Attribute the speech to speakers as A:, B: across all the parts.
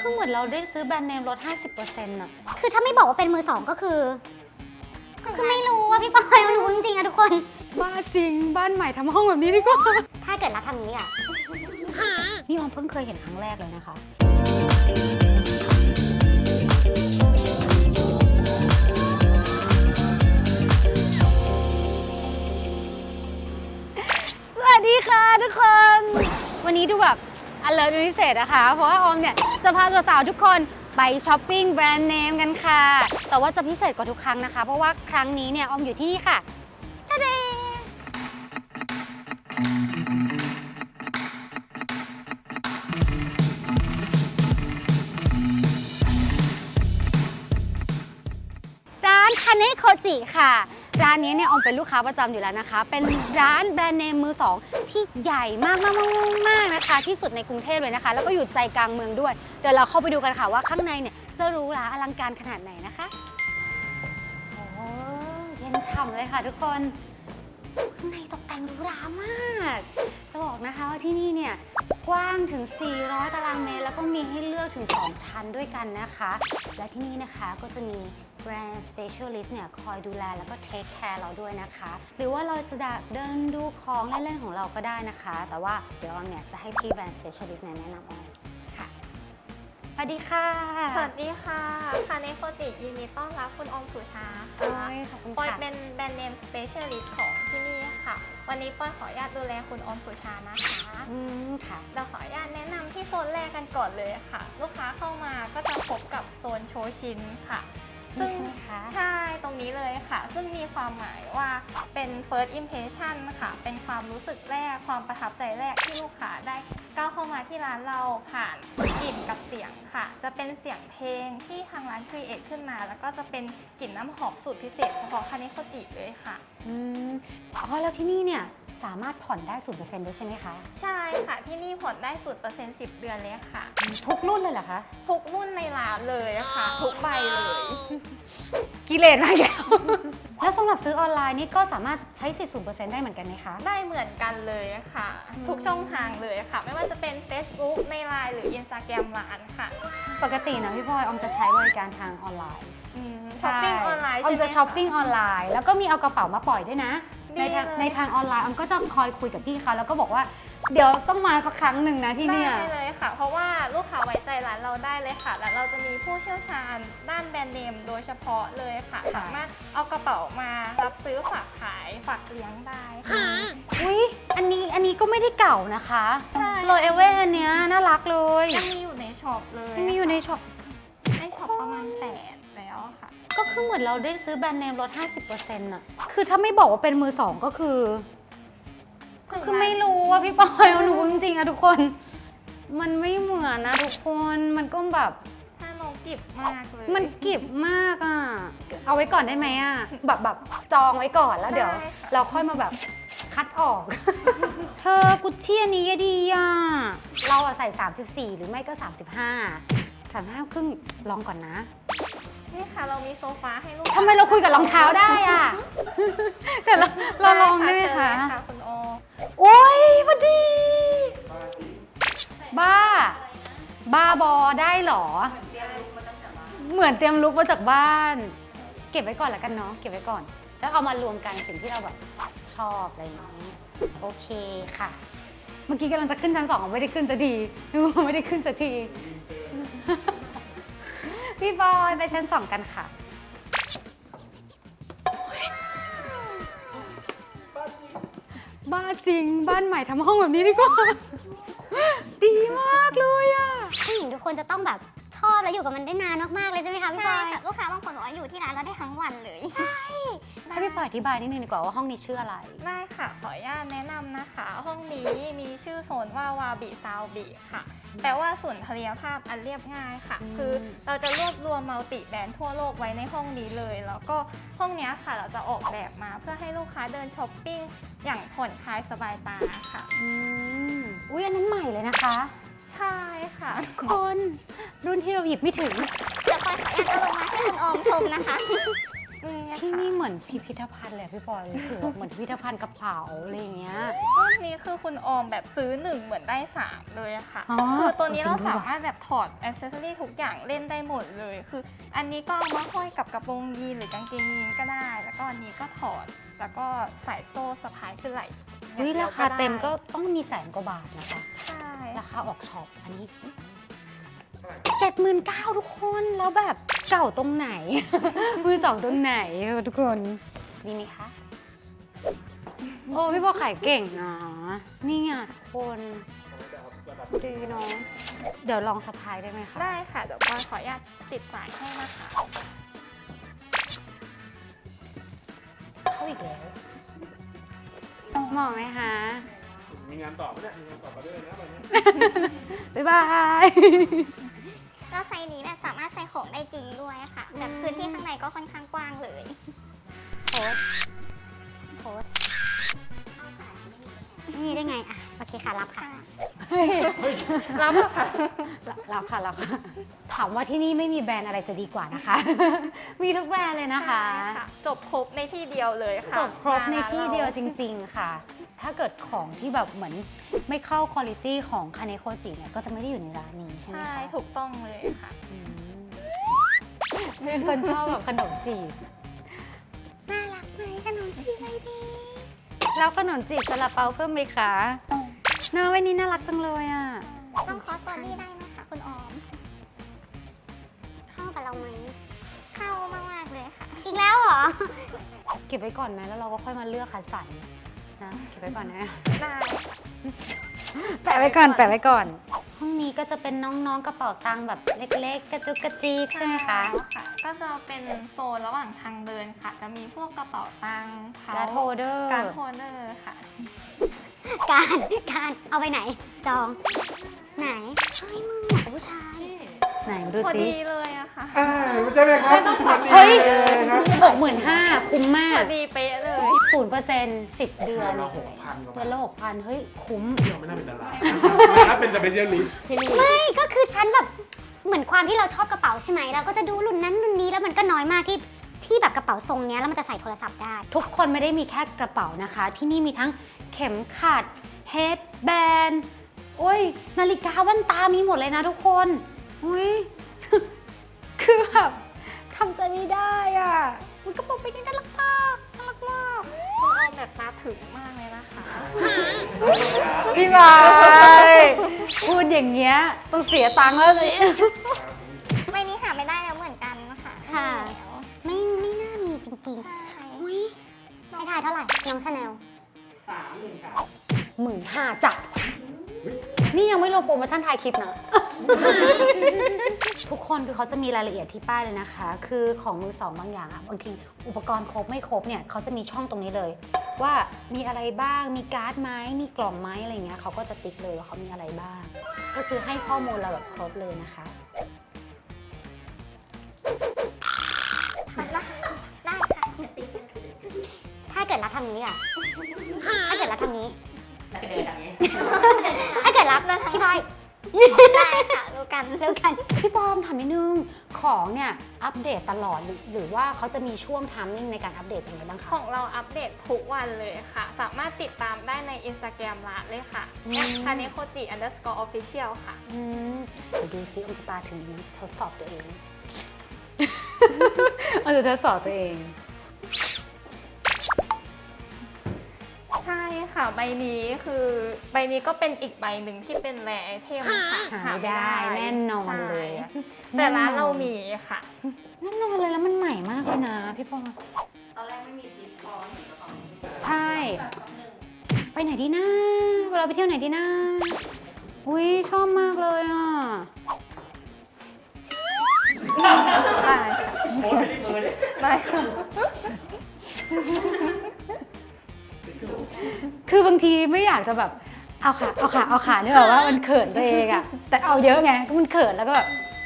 A: คือเหมือนเราได้ซื้อแบรนด์เนมลด 50%อะ
B: คือถ้าไม่บอกว่าเป็นมือสองก็คือไม่รู้ว่าพี่ปอยไม่รู้จริงๆอะทุกคน
A: บ้าจริงบ้านใหม่ทำห้องแบบนี้ดีกว่า
B: ถ้าเกิดรักทำอย่างนี้อะ
A: นี่ออมเพิ่งเคยเห็นครั้งแรกเลยนะคะ สวัสดีค่ะทุกคน วันนี้ดูแบบalert เป็นพิเศษนะคะ เพราะว่าออมเนี่ยจะพาสาวๆทุกคนไปช้อปปิ้งแบรนด์เนมกันค่ะ แต่ว่าจะพิเศษกว่าทุกครั้งนะคะ เพราะว่าครั้งนี้เนี่ยออมอยู่ที่นี่ค่ะทะเดร้านคาเนโคจิค่ะ ร้านนี้เนี่ยออมเป็นลูกค้าประจำอยู่แล้วนะคะ เป็นร้านแบรนด์เนมมือสองที่ใหญ่มากนะคะ ที่สุดในกรุงเทพเลยนะคะ แล้วก็อยู่ใจกลางเมืองด้วย เดี๋ยวเราเข้าไปดูกันค่ะว่าข้างในเนี่ยจะหรูหราอลังการขนาดไหนนะคะโอ้เย็นฉ่ำเลยค่ะทุกคนข้างในตกแต่งหรูหรามากจะบอกนะคะว่าที่นี่เนี่ยกว้างถึง 400 ตารางเมตรแล้วก็มีให้เลือกถึง 2 ชั้นด้วยกันนะคะ และที่นี่นะคะก็จะมีแบรนด์ specialist เนี่ยคอยดูแลแล้วก็ take care เราด้วยนะคะ หรือว่าเราจะเดินดูของเล่นๆของเราก็ได้นะคะ แต่ว่าเดี๋ยวออมเนี่ยจะให้พี่แบรนด์ specialist เนี่ยแนะนำออมค่ะสวัสดีค่ะ
C: สวัสดีค่ะคาเนโคจิยินดีต้อนรับคุณออมสุชา
A: โอ้
C: ค่ะ
A: ยขอบคุณ
C: ปอย
A: ค่ะ
C: เป็นแบรนด์เนม Specialist ของที่นี่ค่ะ วันนี้ปอยขออนุญาตดูแลคุณออมสุชานะคะ
A: ค่ะ
C: เราขออนุญาตแนะนำที่โซนแรกกันก่อนเลยค่ะ ลูกค้าเข้ามาก็จะพบกับโซนโชชินค่ะ
A: นี่ใช่ไหมคะ
C: ใช่ตรงนี้เลยค่ะ ซึ่งมีความหมายว่าเป็น first impression ค่ะ เป็นความรู้สึกแรกความประทับใจแรกที่ลูกค้าได้ก้าวเข้ามาที่ร้านเราผ่านกลิ่นกับเสียงค่ะ จะเป็นเสียงเพลงที่ทางร้านครีเอทขึ้นมา แล้วก็จะเป็นกลิ่นน้ำหอมสูตรพิเศษเฉพาะคาเนโคจิเลยค่ะ
A: อ๋อแล้วที่นี่เนี่ยสามารถผ่อนได้ 0% ด้วยใช่ไหมคะ
C: ใช่ค่ะที่นี่ผ่อนได้สูตร% 10 เดือนเลยค่ะ
A: ทุกรุ่นเลยเหรอคะ
C: ทุกรุ่นในร้านเลยค่ะ ทุกใบเลย
A: กิเลสมาแล้ว แล้วสำหรับซื้อออนไลน์นี่ก็สามารถใช้สิทธิ์ 0% ได้เหมือนกันไหมคะ
C: ได้เหมือนกันเลยค่ะ ทุกช่องทางเลยค่ะ ไม่ว่าจะเป็น Facebook ใน LINE หรือ Instagram ร้านค่ะ
A: ปกตินะพี่พลอยออมจะใช้บริการทางออนไลน์
C: ช้อปปิ้งออนไลน์
A: ออม
C: ใช่ไหม
A: จะช้อปปิ้งออนไลน์แล้วก็มีเอากระเป๋ามาปล่อยด้วยนะ
C: ดี
A: ใน
C: เลย
A: ทางออนไลน์ออมก็จะคอยคุยกับพี่เขาแล้วก็บอกว่าเดี๋ยวต้องมาสักครั้งหนึ่งนะที่เนี่ย
C: ได้เลยค่ะ เพราะว่าลูกค้าไว้ใจร้านเราได้เลยค่ะ และเราจะมีผู้เชี่ยวชาญด้านแบรนด์เนมโดยเฉพาะเลยค่ะ
A: ค่ะ
C: สามารถเอากระเป๋ามารับซื้อฝากขายฝากเลี้ยงได้ค่ะ
A: อุ๊ยอันนี้ก็ไม่ได้เก่านะคะ
C: ใช่
A: โรเอเว่อันเนี้ยน่ารักเลย
C: ยังมีอยู่ในช็อปเลย
A: มันมีอยู่ในช็อป
C: ในช็อปประมาณ8แล้วค่ะ
A: ก็คือเหมือนเราได้ซื้อแบรนด์เนมลด 50%อะคือถ้าไม่บอกว่าเป็นมือสองก็คือไม่รู้ว่าพี่ปอยเอาหนูจริงๆอะทุกคน มันไม่เหมือนนะทุกคน มันก็แบบ
C: ถ้าน้องกิบมากเลย
A: มันกิบมากอะเอาไว้ก่อนได้ไหมอะแบบจองไว้ก่อนแล้วเดี๋ยว
C: ได้ค่ะ
A: เราค่อยมาแบบคัดออก เธอกุชชี่อันนี้ดีอะเราอะใส่ 34 หรือไม่ก็ 35 ครึ่งลองก่อนนะ
C: นี่ค่ะเรามีโซฟาให้ลูก
A: ทำไมเราคุยกับรองเท้าได้อะแต่เราลองได้ไหมคะ
C: เชิญเลยค่ะคุณโอ
A: โอ้ยพอดี บ้าบอได้เหรอ เหมือนเตรียมลุกมาจากบ้าน เก็บไว้ก่อนแล้วกันเนาะ เก็บไว้ก่อน แล้วเอามารวมกันสิ่งที่เราแบบชอบอะไรอย่างนี้ โอเคค่ะ เมื่อกี้กำลังจะขึ้นชั้น 2ไม่ได้ขึ้นสักทีไม่ได้ขึ้นสักที พี่บอยไปชั้น 2 กันค่ะ บ้าจริงบ้านใหม่ทำห้องแบบนี้ดีกว่า ดีมากเลยอ่ะ
B: ผู้หญิงทุกคนจะต้องแบบชอบและอยู่กับมันได้นานมากๆเลยใช่ไหมคะพี่ป
C: ใช่
B: อย
C: ค่ะลูกค้าบางคนบอกว่าอยู่ที่ร้านเราได้ทั้งวันเลย
A: ให้พี่ปอยอธิบายนิดนึงดีกว่าว่าห้องนี้ชื่ออะไร
C: ได้ค่ะ ขออนุญาตแนะนำนะคะ ห้องนี้มีชื่อโซนว่าวาบิซาวบิค่ะ แปลว่าสุนทรียภาพอันเรียบง่ายค่ะ คือเราจะรวบรวมมัลติแบรนด์ทั่วโลกไว้ในห้องนี้เลย แล้วก็ห้องนี้ค่ะเราจะออกแบบมาเพื่อให้ลูกค้าเดินช้อปปิ้งอย่างผ่อนคลายสบายตาค่ะ
A: อุ้ยอันนั้นใหม่เลยนะคะ
C: ใช่ค่ะ
A: คนรุ่นที่เราหยิบไม่ถึง
B: เดี๋ยวปอยขออนุญาตเอาลงมาให้คุณออมชมนะคะ
C: ยังไง
A: ที่
C: ค่ะ
A: นี่เหมือนพิพิธภัณฑ์เลยอะพี่ปอยรู้สึกว่าเหมือนพิพิธภัณฑ์กระเป๋าอะไรอย่างเงี้ย
C: รุ่นนี้คือคุณออมแบบซื้อ1เหมือนได้3เลยอะค่ะ
A: อ๋อ
C: คือตัวนี้
A: จริ
C: เรา
A: งด้วย
C: สามารถแบบถอดอ c เซสซอรี่ทุกอย่างเล่นได้หมดเลย คืออันนี้ก็เอามาห้อยกับกระโปรงยีนหรือกางเกงยีนก็ได้ แล้วก็อันนี้ก็ถอดแล้วก็ใส่โซ่สะพายขึ้นไหล่
A: อุ๊ย
C: อย่
A: ราง
C: ดียว
A: คา
C: ได้
A: เต็มก็ต้องมีแสนกว่าบาทนะคะ
C: ใช่
A: ราคาออกช็อปอันนี้79,000ทุกคนแล้วแบบเก่าตรงไหน มือสองตรงไหนทุกคนดีไหมคะ โอ้พี่ปอขายเก่งนะนี่ไงทุกคนดีเนาะเดี๋ยวลองสะพายได้ไหมคะ
C: ได้ค่ะ เดี๋ยวปอยขออนุญาตติดสายให้นะคะ
A: เข้าอีกแล้วเหมาะไหมคะ
D: มีงานต่อไหมเนี่ย มีงานต่อไปด้วยนะวันนี้
A: บ๊ายบาย
B: แล้วไซส์นี้แบบสามารถใส่ของได้จริงด้วยค่ะแบบพื้นที่ข้างในก็ค่อนข้างกว้างเลยโพสโพสนี่ได้ไงอ่ะโอเคค่ะรับค่ะ
C: รับเหรอค่ะ
A: รับค่ะรับค่ะ ถามว่าที่นี่ไม่มีแบรนด์อะไรจะดีกว่านะคะ มีทุกแบรนด์เลยนะคะ
C: ใช่ค่ะจบครบในที่เดียวเลยค่ะ
A: จบครบในที่เดียว
C: มาร้าน
A: จริง ๆ ค่ะ ถ้าเกิดของที่แบบเหมือนไม่เข้าคุณภาพของคาเนโคจิเนี่ยก็จะไม่ได้อยู่ในร้านนี้ใช่ไหม
C: ใช่
A: คะ
C: ถูกต้องเลยค่ะ
A: อืมเป็นคนชอบแบบขนมจีบ
B: น่ารักไหมขนมจีบไอเดี
A: แล้วขนมจีบซาลาเปาเพิ่มไหมคะน่าวันนี้น่ารักจังเลยอ่ะ
B: ต้องคอสตอรี่ได้นะคะคุณออม เข้ากับเราไหมเข้ามากๆเลยค่ะ อีกแล้วเหรอ
A: เก็บไว้ก่อนไหมแล้วเราก็ค่อยมาเลือกคัดสรรนะเก็บไว้ก่อนนะ
C: ได้
A: แปะไว้ก่อนแปะไว้ก่อน ห้องนี้ก็จะเป็นน้องๆกระเป๋าตังค์แบบเล็กๆ กระจุกกระจิกใช่ไหมคะ
C: ค่ะ ก็จะเป็นโซนระหว่างทางเดินค่ะ จะมีพวกกระเป๋าตังค์
A: การ์ดโฮลเดอร์
C: การ์ดโฮลเดอร์ค่ะ
B: การเอาไปไหน จอง ไหนเฮ้ยมึงเหมาะกับผู้ชาย
A: ไหนมาดู
C: พอ
A: สิ
C: ดีเลยอะค่ะ
D: ใช่ไหมครับ
C: ไม่ต้องปรับ
D: ดี
A: เฮ้ย
D: เลยครับ
A: 65,000คุ้มมา
C: พ
A: ก
C: อดีเป๊ะเลย
A: 0% 10 เดือน
D: เรา6,000กว่า
A: เดือนละ6,000 เฮ้ย คุ้ม
D: เราไม่น่าเป็นดาราถ้าเป็นแต่เป็นเชียร์ลิส
B: ไม่ก็คือฉันแบบเหมือนความที่เราชอบกระเป๋าใช่ไหมเราก็จะดูรุ่นนั้นรุ่นนี้แล้วมันก็น้อยมากที่แบบกระเป๋าทรงเนี้ยแล้วมันจะใส่โทรศัพท์ได้
A: ทุกคนไม่ได้มีแค่กระเป๋านะคะ ที่นี่มีทั้งเข็มขัดเฮดแบนโอ้ย นาฬิกาแว่นตามีหมดเลยนะทุกคนอุ้ย คือแบบทำใจไม่ได้อ่ะมันกระเป๋าไปนี่น่ารักมากน่ารักมาก
C: คุณออมแบบตาถึงมากเลยนะคะ
A: พี่บายพูดอย่างเงี้ยต้องเสียตังค์แล้วสิ
B: ใบนี้หาไม่ได้แล้วเหมือนกันค่ะ
A: ค่ะ
B: ไม่น่ามีจริงๆอุ้ยให้ถ่ายเท่าไหร่ น้องชาแนล
A: 15,000จ้ะนี่ยังไม่รวมโปรโมชั่นท้ายคลิปนะ ทุกคนคือเขาจะมีรายละเอียดที่ป้ายเลยนะคะ คือของมือสองบางอย่างอะบางทีอุปกรณ์ครบไม่ครบเนี่ยเขาจะมีช่องตรงนี้เลย ว่ามีอะไรบ้างมีการ์ดไหมมีกล่องไหมอะไรเงี้ยเขาก็จะติ๊กเลยว่าเขามีอะไรบ้าง ก็คือให้ข้อมูลเราแบบครบเลยนะคะ
B: ได้ค่ะถ้าเกิดรับทางนี้อ่ะ ถ้าเกิดรับทางนี้ ถ้าเกิดรับพี่บอยได้ค่ะรู้กัน
A: พี่ปอมถามนิดนึงของเนี่ยอัปเดตตลอดหรือว่าเขาจะมีช่วงไทมิ่งในการอัปเดตยังไงบ้างคะ
C: ของเราอัปเดตทุกวันเลยค่ะ สามารถติดตามได้ใน Instagram ร้านเลยค่ะ
A: อืม
C: @kanekoji_official ค่ะ
A: เดี๋ยวดูซิอมจะตาถึงมันจะทดสอบตัวเอง อมจะทดสอบตัวเอง
C: ใช่ค่ะ ใบนี้คือใบนี้ก็เป็นอีกใบหนึ่งที่เป็นแรไอเทมค่ะ
A: หาไม่ได้แน่นอนเลยอะ
C: ใช่แต่ร้านเรามีค่ะ
A: แน่นอนเลยแล้วมันใหม่มากเลยนะพี่ปอ
C: ตอนแรกไม่มีทิปพอเห็นกระเป๋า
A: ใช่ ไปไหนดีนะเวลาไปเที่ยวไหนดีนะอุ้ยชอบมากเลยอ่ะ
C: ได้ค่ะได้ค่ะ
A: คือบางทีไม่อยากจะแบบเอาขาเนี่ยแบบว่ามันเขินตัวเองอะแต่เอาเยอะไงก็มันเขินแล้วก็แบบ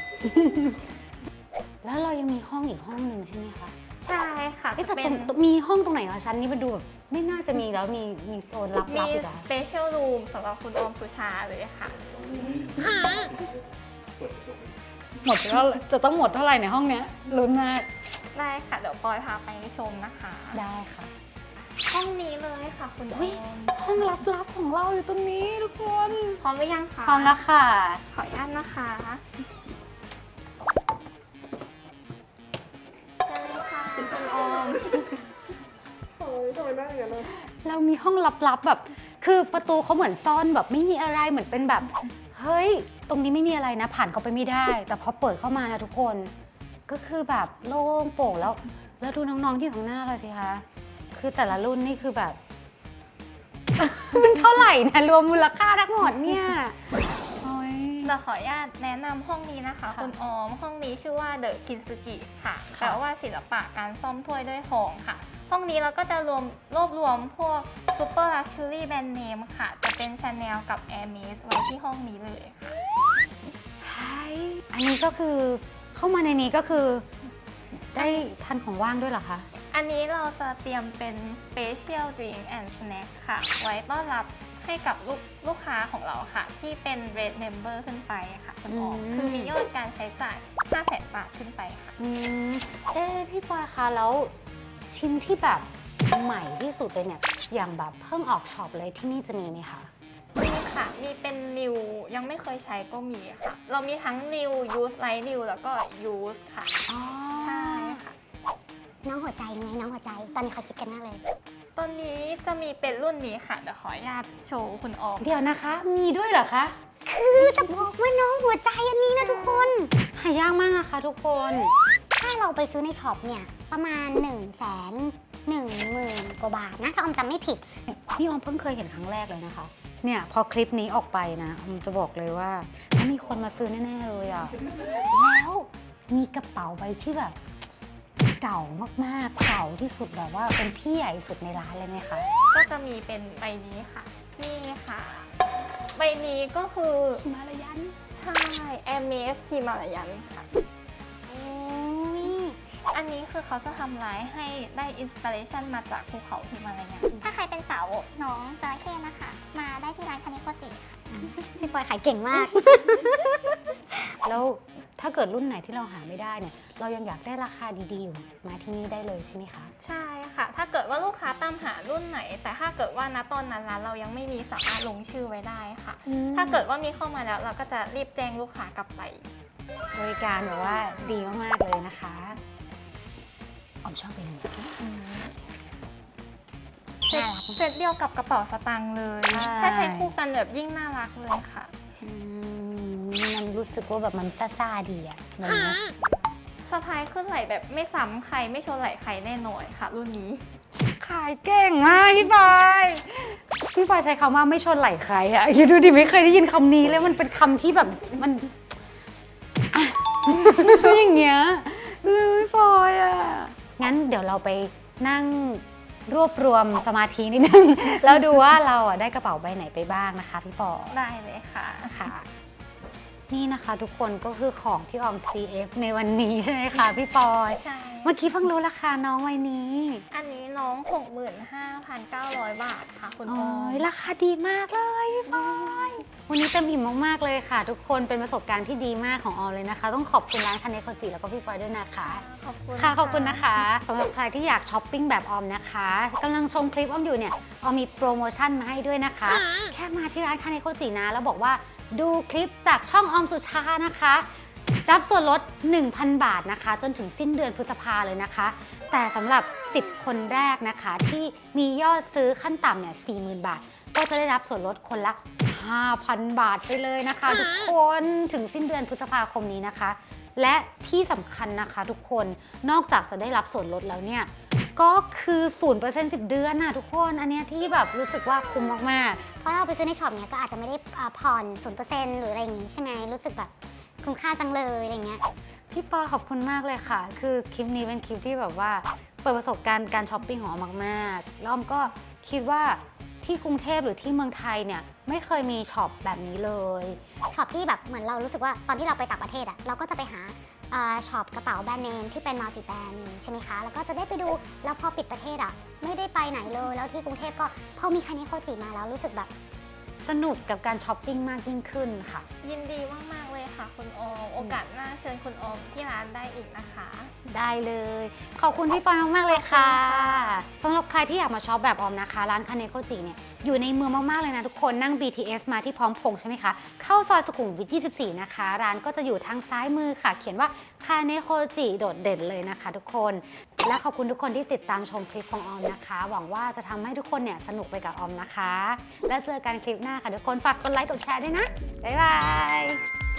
A: แล้วเรายังมีห้องอีกห้องหนึ่งใช่ไหมคะ
C: ใช่ค่ะ
A: เอ๊ะแต่
C: เป็
A: ตร
C: น
A: งมีห้องตรงไหนคะชั้นนี้มันดูแบบไม่น่าจะมีแล้วมีโซนลับ
C: มี
A: ๆอีกเหรอ
C: special room สำหรับคุณออมสุชาเลยค่ะ
A: หมดแล้วจะต้องหมดเท่าไหร่ในห้องเนี้ยลุ้นมาก
C: ได้ค่ะ เดี๋ยวปอยพาไปชมนะคะ
A: ได้ค่ะ
C: ห้องนี้เลยค่ะคุณอ
A: อุ๊ย
C: อม
A: ห้องลับๆของเราอยู่ตรงนี้ทุกคน
C: พร้อมหรือยังคะ
A: พร้อมแล้วค่ะ
C: ขออนุญาตนะคะเชิญเลยค่ะคุณออม
D: โอ้ยทำไมได้อย่างนั้นเลย
A: เรามีห้องลับๆแบบ คือประตูเขาเหมือนซ่อนแบบไม่มีอะไรเหมือนเป็นแบบ เฮ้ย ตรงนี้ไม่มีอะไรนะ ผ่านเข้าไปไม่ได้ แต่พอเปิดเข้ามานะทุกคน ก็คือแบบโล่งโปร่งแล้วดูน้องๆที่อยู่ข้างหน้าเราสิคะ คือแต่ละรุ่นนี่คือแบบ มันเท่าไหร่นะรวมมูลค่าทั้งหมดเนี่ยโอ้ย
C: เราขออนุญาตแนะนำห้องนี้นะคะ
A: ค่ะ
C: คุณออม ห้องนี้ชื่อว่าเดอะคินซึกิค่ะ
A: ค่ะ
C: แปลว่าศิลปะการซ่อมถ้วยด้วยทองค่ะ ห้องนี้เราก็จะรวบรวมพวกซูเปอร์ลักชัวรี่แบรนด์เนมค่ะ จะเป็น Chanel กับ Hermes ไว้ที่ห้องนี้เลยค่ะ
A: ใช่อันนี้ก็คือเข้ามาในนี้ก็คือ ได้ทานของว่างด้วยเหรอคะ
C: อันนี้เราจะเตรียมเป็น Special Drink and Snack ค่ะ ไว้ต้อนรับให้กับลูกค้าของเราค่ะ ที่เป็น Red Member ขึ้นไปค่ะคุณออม
A: อืม
C: คือมียอดการใช้จ่าย 500,000 บาทขึ้นไปค่ะ
A: อืมพี่ปอยคะแล้วชิ้นที่แบบใหม่ที่สุดเลยเนี่ย อย่างแบบเพิ่งออกช็อปเลยที่นี่จะมีไหมคะ
C: มีค่ะ มีเป็น New ยังไม่เคยใช้ก็มีค่ะ เรามีทั้ง New Use Light New แล้วก็ Use ค่ะ
A: อ๋อ
C: ใช่ค่ะ
B: น้องหัวใจไงน้องหัวใจ ตอนนี้เขาคิดกันมากเลย
C: ตอนนี้จะมีเป็นรุ่นนี้ค่ะ เดี๋ยวขออนุญาตโชว์คุณออม
A: เดี๋ยวนะคะ มีด้วยเหรอคะ
B: คือจะบอกว่าน้องหัวใจอันนี้นะทุกคน
A: หายากมากนะคะทุกคน
B: ถ้าเราไปซื้อในช็อปเนี่ย ประมาณ 110,000 กว่าบาทนะ ถ้าออมจำไม่ผิด
A: นี่ออมเพิ่งเคยเห็นครั้งแรกเลยนะคะ เนี่ยพอคลิปนี้ออกไปนะออมจะบอกเลยว่าต้องมีคนมาซื้อแน่ๆเลยอะแล้วมีกระเป๋าใบที่แบบ เก่ามากๆ เก่าที่สุดแบบว่าเป็นพี่ใหญ่สุดในร้านเลยไหมคะ
C: ก็จะมีเป็นใบนี้ค่ะ นี่ค่ะ ใบนี้ก็คือ
A: ชิมาลายัน
C: ใช่ Hermes ฮิมาลายันค่ะ
B: โอ้ย
C: อันนี้คือเขาจะทำลายให้ได้อินสปิเรชันมาจากภูเขาฮิมาลายัน
B: ถ้าใครเป็นสาวน้องจระเข้นะคะ มาได้ที่ร้านคานิโคจิค่ะ พี่ปอยขายเก่งมาก
A: แล้วถ้าเกิดรุ่นไหนที่เราหาไม่ได้เนี่ย เรายังอยากได้ราคาดีๆอยู่มาที่นี่ได้เลยใช่ไหมคะ
C: ใช่ค่ะ ถ้าเกิดว่าลูกค้าตามหารุ่นไหน แต่ถ้าเกิดว่าณตอนนั้นร้านเรายังไม่มีสามารถลงชื่อไว้ได้ค่ะ ถ้าเกิดว่ามีเข้ามาแล้วเราก็จะรีบแจ้งลูกค้ากลับไป
A: บริการแบบว่าดีมากๆเลยนะคะออมชอบเป็นอย่างนี้
C: เซ็ตเซ็ตเดียวกับกระเป๋าสตางค์เลย
A: ใช่
C: ถ้าใช้คู่กันแบบยิ่งน่ารักเลยค่ะ
A: มันรู้สึกว่าแบบมันซ่าๆดีอะแบบนี้
C: สะพายขึ้นไหลแบบไม่ซ้ำใครไม่ชนไหลใครแน่นอนค่ะ รุ่นนี้
A: ขายเก่งมากพี่ปอยพี่ปอยใช้คำว่าไม่ชนไหลใครอะคิดดูดิไม่เคยได้ยินคำนี้เลยมันเป็นคำที่แบบมันอะ อย่างเงี้ยพี่ปอยอะงั้นเดี๋ยวเราไปนั่งรวบรวมสมาธินิดนึง แล้วดูว่าเราอะได้กระเป๋าใบไหนไปบ้างนะคะพี่ปอ
C: ได้เลยค่ะ
A: ค่ะ นี่นะคะทุกคนก็คือของที่ออม CF ในวันนี้ใช่ไหมคะพี่ปอย
C: ใช่
A: เมื่อกี้เพิ่งรู้ราคาน้องวันนี้
C: อันนี้น้อง 65,900 บาทค่ะคุณ
A: โอ้
C: ออม
A: ยราคาดีมากเลยพี่ปอยวันนี้เต็มอิ่มมากๆเลยค่ะ ทุกคนเป็นประสบการณ์ที่ดีมากของออมเลยนะคะ ต้องขอบคุณร้านคาเนโคจิแล้วก็พี่ปอยด้วยนะคะ
C: ขอบคุณ
A: ค่ะขอบคุณนะคะสำหรับใครที่อยากช้อปปิ้งแบบออมนะคะกำลังชมคลิปออมอยู่เนี่ยออมมีโปรโมชั่นมาให้ด้วยนะคะ แค่มาที่ร้านคาเนโคจินะแล้วบอกว่าดูคลิปจากช่องออมสุชานะคะ รับส่วนลด 1,000 บาทนะคะ จนถึงสิ้นเดือนพฤษภาเลยนะคะ แต่สำหรับ 10 คนแรกนะคะ ที่มียอดซื้อขั้นต่ำเนี่ย 40,000 บาท ก็จะได้รับส่วนลดคนละ 5,000 บาทไปเลยนะคะ ทุกคนถึงสิ้นเดือนพฤษภาคมนี้นะคะ และที่สำคัญนะคะทุกคนนอกจากจะได้รับส่วนลดแล้วเนี่ยก็คือ 0% 10 เดือนน่ะทุกคนอันเนี้ยที่แบบรู้สึกว่าคุ้มมากๆ
B: เพราะเราไปซื้อในช็อปเนี่ยก็อาจจะไม่ได้ผ่อน 0% หรืออะไรอย่างงี้ใช่ไหมรู้สึกแบบคุ้มค่าจังเลยอะไรเงี้ย
A: พี่ปอขอบคุณมากเลยค่ะ คือคลิปนี้เป็นคลิปที่แบบว่าเปิดประสบการณ์การช้อปปิ้งของออมมากๆแล้วออมก็คิดว่าที่กรุงเทพหรือที่เมืองไทยเนี่ยไม่เคยมีช็อปแบบนี้เลย
B: ช็อปที่แบบเหมือนเรารู้สึกว่าตอนที่เราไปต่างประเทศอะเราก็จะไปหาช็อปกระเป๋าแบรนด์เนมที่เป็นมัลติแบรนด์ใช่ไหมคะ แล้วก็จะได้ไปดูแล้วพอปิดประเทศอะไม่ได้ไปไหนเลยแล้วที่กรุงเทพก็พอมีคาเนโคจิมาแล้วรู้สึกแบบ
A: สนุกกับการช้อปปิ้งมากยิ่งขึ้นค่ะ
C: ยินดีมากๆเลยค่ะค่ะคุณออม โอกาสหน้าเชิญคุณออมที่ร้านได้อีกนะคะ
A: ได้เลย ขอบคุณพี่ปอยมากๆเลยค่ะสำหรับใครที่อยากมาช็อปแบบออมนะคะ ร้านคาเนโคจิเนี่ยอยู่ในเมืองมากๆเลยนะทุกคนนั่ง BTS มาที่พร้อมพงษ์ใช่ไหมคะเข้าซอยสุขุมวิท 24 นะคะ ร้านก็จะอยู่ทางซ้ายมือค่ะ เขียนว่าคาเนโคจิโดดเด่นเลยนะคะทุกคนและขอบคุณทุกคนที่ติดตามชมคลิปของออมนะคะ หวังว่าจะทำให้ทุกคนเนี่ยสนุกไปกับออมนะคะ แล้วเจอกันคลิปหน้าค่ะทุกคนฝากกดไลค์กดแชร์ด้วยนะบ๊ายบาย